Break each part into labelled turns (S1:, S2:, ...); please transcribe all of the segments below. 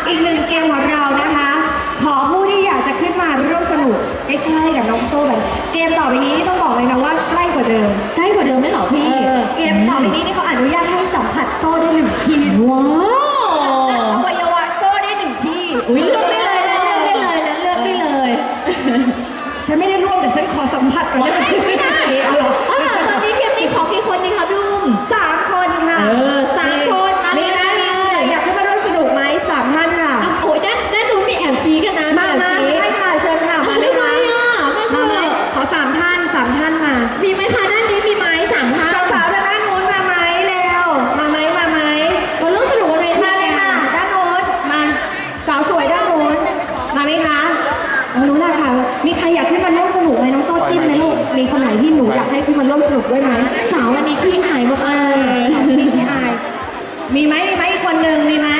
S1: อีกหนึ่งเกมของเรานะคะ ขอผู้ที่อยากจะขึ้นมาร่วมสนุกใกล้ๆกับน้องโซ่แบบเกมต่อไปนี้นี่ต้องบอกเลยนะว่าใกล้กว่าเดิม
S2: ใกล้กว่าเดิมไหมเหรอพี่
S1: เกมต่อไปนี้นี่เขาอนุญาตให้สัมผัสโซ่ได้1 ที่
S2: ว้าว
S1: อวัยวะโซ่ได้1 ที่
S2: อุ๊ยเลือกได้เลยนะเลือกได้เลยนะเลือกได้เลย
S1: ฉันไม่ได้ร่วมแต่ฉันขอสัมผัสก่อนได้ไหม
S2: ไม่ได้ตอนนี้เกมนี้ขอกี่คนดีคะพี่อุ้ม
S1: 3 คนค่ะ
S2: 3 คนมาเลย
S1: อยากขึ้นมาร่วมสนุกไหม3 ท่านค่ะ
S2: โอ้ยด้านนู้นมีแอบชี้กันนะ
S1: มาได้ค่ะเชิญค่ะมาเลยค่ะ
S2: มาเลย
S1: ขอ3 ท่านมา
S2: มีไหมคะด้านนี้มีไหม3 ท่าน
S1: สาวๆด้านนู้นมาไหมเร็วมาไหม
S2: มาร่วมสนุกกันเลย
S1: มาเลยค่ะด้านนู้นมาสาวสวยด้านนู้นมาไหมคะรู้แหละค่ะมีใครอยากขึ้นมาร่วมสนุกไหมน้องโซ่จิ้มไหมลูกมีคนไหนที่หนูอยากให้ขึ้นมาร่วมสนุกด้วยไหม
S2: สาววันนี้ขี้อายมากๆ
S1: พี่อายมีไหมอีกคนหนึ่งมีไหม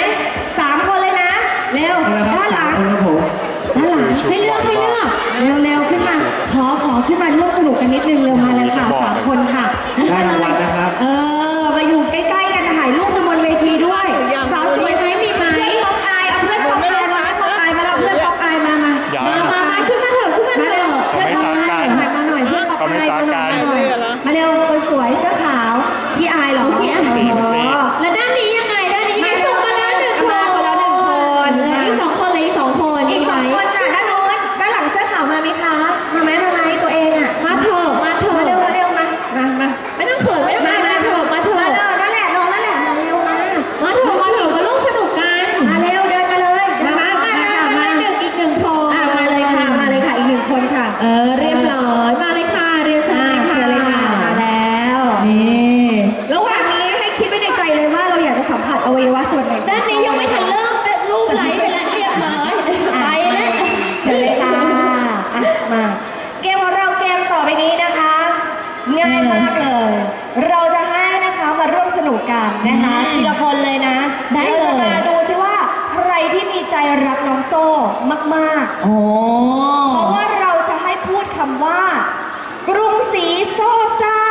S1: 3 คนเลยนะเร็วด้านหลัง
S3: คนครับผม
S1: ด้านหลัง
S2: ให้เลือก
S1: เร็วขึ้นมาขอขึ้นมาร่วมสนุกกันนิดนึงเร็วมาเลยค่ะ3 คนค่ะ
S3: ได้รางวัลนะครับ
S1: มาอยู่ใกล้ๆกันถ่ายรูปกันบนเวทีด้วยสาวสวยไหมมีไหมเพื่อนป๊อปอายเอาเพื่อนป๊อปอายมาป๊อปอายมาแล้วเพื่อนป๊อปอายมา
S2: มาขึ้นมาเถอะขึ้นมาเถอะ
S1: เพื่อนป๊อปอายมาหน่อยเพื่อนป๊อปอายมาหน่อยมาเร็วคนสวยเสื้อขาวขี้อายเหรอ
S2: ขี้อายแล้วด้านนี้ยังไงด้านนี้มีส่งมาแล้ว1 คน
S1: มาคนละ1 คน
S2: อีก2 คนเลยอีก2 คนมีไหม
S1: 2 คนค่ะด้านโน้นด้านหลังเสื้อขาวมาไหมคะมาไหมตัวเองอ่ะ
S2: มาเถอะ
S1: มาเร็วมา
S2: ไม่ต้องเขินไม่ต้องมาเถอะ
S1: มานั่นแหละน้องนั่นแหละมาเร็วมา
S2: มาเถอะมาร่วมสนุกกัน
S1: มาเร็วเดินมาเลย
S2: มาเลยอีก1 คน
S1: มาเลยค่ะอีก1 คนค่ะ
S2: เรียบร้อยมาเลยค่ะเรียนเชิญเลยค่ะ
S1: มาแล้ว
S2: นี่
S1: ระหว่างนี้ให้คิดไว้ในใจเลยว่าเราอยากจะสัมผัสอวัยวะส่วนไหน
S2: ด้านนี้ยังไม่ทันเริ่มรูปไหลไปแล้วเรียบร้อยไปแล้ว
S1: เชิญเลยค่ะมาเกมของเราเกมต่อไปนี้นะคะ ง่ายมากเลย เราจะให้นะคะมาร่วมสนุกกันนะคะทีละคนเลยนะเราจะมาดูซิว่าใครที่มีใจรักน้องโซ่มากๆ
S2: โอ้
S1: เพราะว่าเราจะให้พูดคำว่า กรุงศรีโซซ่า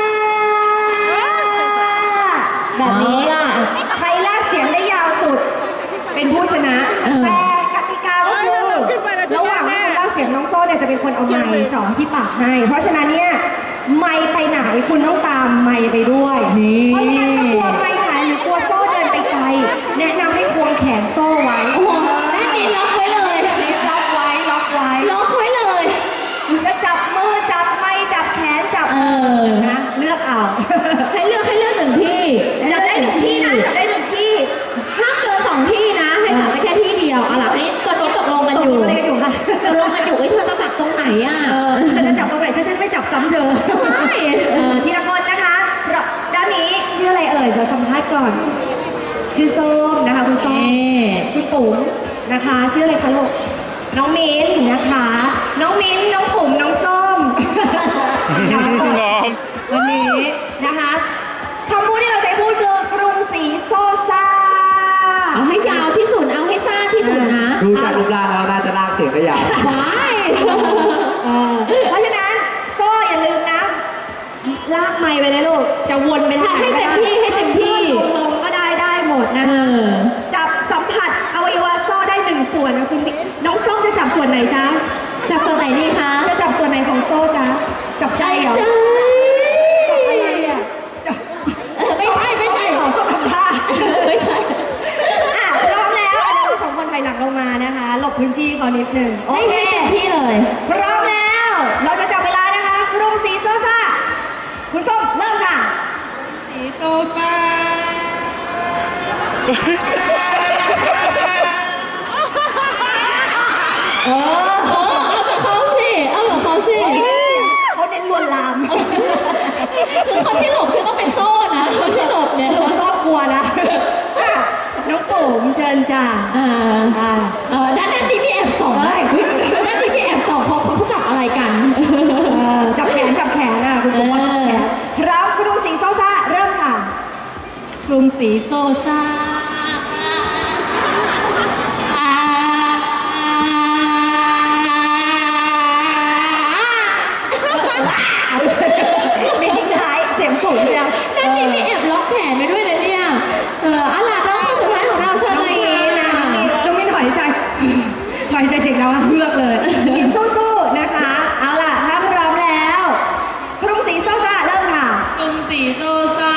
S1: แบบนี้ใครลากเสียงได้ยาวสุด เป็นผู้ชนะ แต่กติกาก็คือระหว่างที่คุณลากเสียงน้องโซ่เนี่ยจะเป็นคนเอาไมค์จ่อที่ปากให้ เพราะฉะนั้นเนี่ยไมค์ไปไหนคุณต้องตามไมค์ไปด้วยเพราะฉะนั้นถ้ากลัวไมค์หายหรือกลัวโซ่เดินไปไกลแนะนำให้ควงแขนโซ่ไว้
S2: โอ้โหด้านนี้ล็อกไว้เลย
S1: ล็อกไว้
S2: ล็อกไว้เลย
S1: จะจับมือจับไม้จับแขนจับนะเลือกเอา
S2: ให้เลือก1 ที่
S1: จับได้1 ที่นะจับได้1 ที่
S2: ห้ามเกิน2 ที่นะให้จับได้แค่ที่เดียวเอาล่ะนี่ตอนนี้ตกลงกันอยู่
S1: อะไรกันอยู่คะ
S2: ตกลงกันอยู่เธอจะจับตรงไหนอ่ะ
S1: เธอจะจับตรงไหนฉันจะไม่จับซ้ำเธอ
S2: ไม่
S1: ทีละคนนะคะด้านนี้ชื่ออะไรเอ่ยจะสัมภาษณ์ก่อน ชื่อส้มนะคะคุณส้มคุณปุ๋มนะคะชื่ออะไรคะลูกน้องมิ้นนะคะ น้องมิ้นน้องปุ๋มน้องส้มวันนี้นะคะคำพูดที่เราจะพูดคือกรุงศรีโซซ่า
S2: เอาให้ยาวที่สุดเอาให้สั้นที่สุดนะ
S3: ดูจากรูปร่างแล้วน่าจะลากเสียงได้ยาว
S2: ว้าย
S1: เพราะฉะนั้นโซ่อย่าลืมนะลากไม้ไปเลยลูกจะวนไปทางไหน
S2: ให้เต็มที่
S1: ลงก็ได้หมดนะจับสัมผัสอวัยวะโซ่ได้1 ส่วนนะคุณน้องส้มจะจับส่วนไหนจ๊ะ
S2: จับส่วนไหนดีคะ
S1: จะจับส่วนไหนของโซ่จ๊ะจับใจเหรอ อะไรอ่ะ
S2: ไม่ใช่
S1: ต่อส้มทำท่า
S2: ไม่ใช่
S1: พร้อมแล้วเดี๋ยวเรา2 คนถอยหลังลงมานะคะหลบพื้นที่ก่อนนิดนึงโอเค
S2: ให้เต็มที่เลย
S1: พร้อมแล้ว เราจะจับเวลานะคะกรุงศรีโซซ่าคุณส้มเริ่มค่ะศรีโซซ่า
S2: เอากับเขาสิ
S1: เขาเน้นลวนลาม
S2: คือคนที่หลบคือต้องเป็นโซ่นะคนที่หลบเนี่ย
S1: ครอบครัวนะน้องปุ๋มเชิญจ้า
S2: ด้านนี้พี่แอบส่องด้านนี้พี่แอบส่องเขาจับอะไรกัน
S1: จับแขนอ่ะคุณปุ๋มว่าจับแขนพร้อมกรุงศรีโซซ่าเริ่มค่ะ
S2: กรุงศรีโซซ่า
S1: มีทิ้งท้ายเสียงสูงเชียว
S2: ด้านนี้มีแอบล็อกแขนไปด้วยนะเนี่ยอะไรน้องคนสุดท้ายของเราเชิญเลยนะ
S1: น้ใส่เสียงเราเฮือกเลยมินสู้ๆนะคะ เอาล่ะถ้าพร้อมแล้วกรุงศรีโซซาเริ่มค่ะ
S2: กรุงศรีโซซา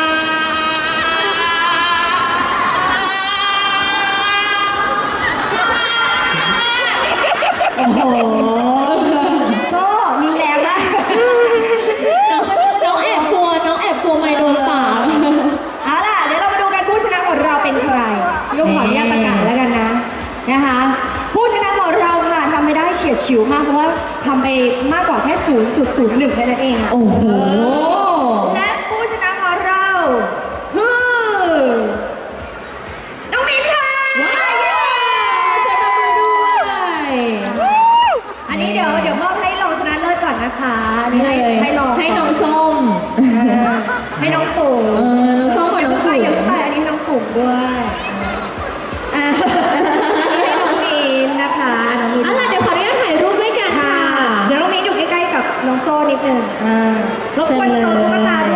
S1: โอ้โหโซ่รุนแรงมาก
S2: น้องแอบกลัวไม่โดนปาก
S1: เอาล่ะเดี๋ยวเรามาดูกันผู้ชนะของเราเป็นใครลุงขออนุญาตประกาศแล้วกันนะคะ ผู้ชนะของเราค่ะทำไม่ได้เฉียดฉิวมากเพราะว่าทำไปมากกว่าแค่ 0.01แค่นั้นเองอะ
S2: โอ้โห
S1: และผู้ชนะของเราคือน้องมิ้นค่ะ
S2: ว้าวเสียงปรบมือด้วย
S1: อันนี้เดี๋ยวมอบให้รองชนะเลิศก่อนนะคะอันนี้
S2: นี่เลย
S1: ให้รอง
S2: ให้น้องส้ม
S1: ให้น้องปู่
S2: น้องส้มกับน้อง
S1: ไป
S2: ปุ๋ย
S1: อย่าเพิ่งไปอันนี้ให้น้องปู่ด้วยให้น้องมิ้นนะคะน้องมิ้น
S2: อะไรเดี๋ยวขออนุญาตถ่ายรูปด้วยกัน
S1: ค่ะ
S2: ค่ะ
S1: เดี๋ยวน้องมิ้นอยู่ใกล้ๆกับน้องโซ่นิดนึงรบกวนโชว์ตุ๊กตาด้วย